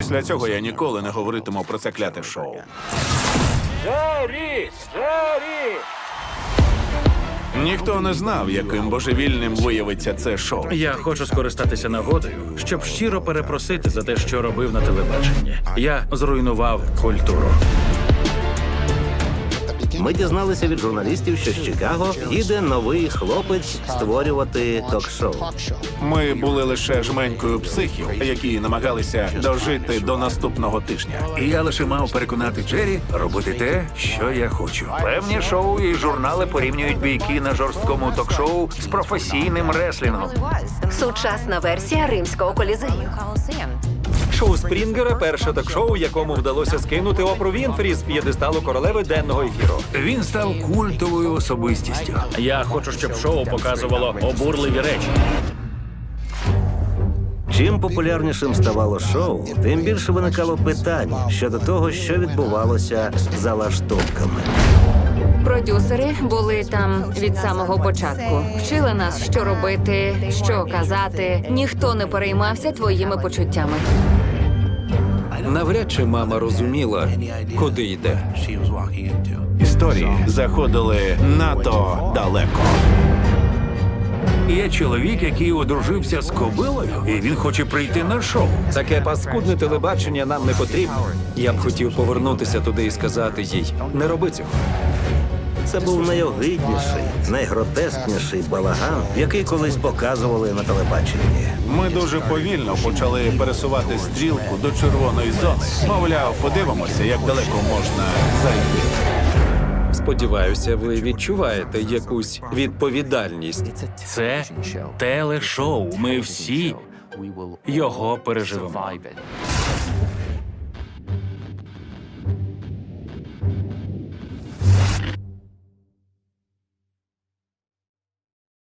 Після цього я ніколи не говоритиму про це кляте шоу. Джері! Джері! Ніхто не знав, яким божевільним виявиться це шоу. Я хочу скористатися нагодою, щоб щиро перепросити за те, що робив на телебаченні. Я зруйнував культуру. Ми дізналися від журналістів, що з Чикаго їде новий хлопець створювати ток-шоу. Ми були лише жменькою психів, які намагалися дожити до наступного тижня. І я лише мав переконати Джері робити те, що я хочу. Певні шоу і журнали порівнюють бійки на жорсткому ток-шоу з професійним реслінгом. Сучасна версія римського колізею. Шоу Спрінгера – перше ток-шоу, якому вдалося скинути Опру Вінфрі з п'єдесталу королеви денного ефіру. Він став культовою особистістю. Я хочу, щоб шоу показувало обурливі речі. Чим популярнішим ставало шоу, тим більше виникало питань щодо того, що відбувалося за лаштунками. Продюсери були там від самого початку. Вчили нас, що робити, що казати. Ніхто не переймався твоїми почуттями. Навряд чи мама розуміла, куди йде. Історії заходили надто далеко. Є чоловік, який одружився з кобилою, і він хоче прийти на шоу. Таке паскудне телебачення нам не потрібно. Я б хотів повернутися туди і сказати їй: не роби цього. Це був найогидніший, найгротескніший балаган, який колись показували на телебаченні. Ми дуже повільно почали пересувати стрілку до червоної зони. Мовляв, подивимося, як далеко можна зайти. Сподіваюся, ви відчуваєте якусь відповідальність. Це телешоу. Ми всі його переживемо.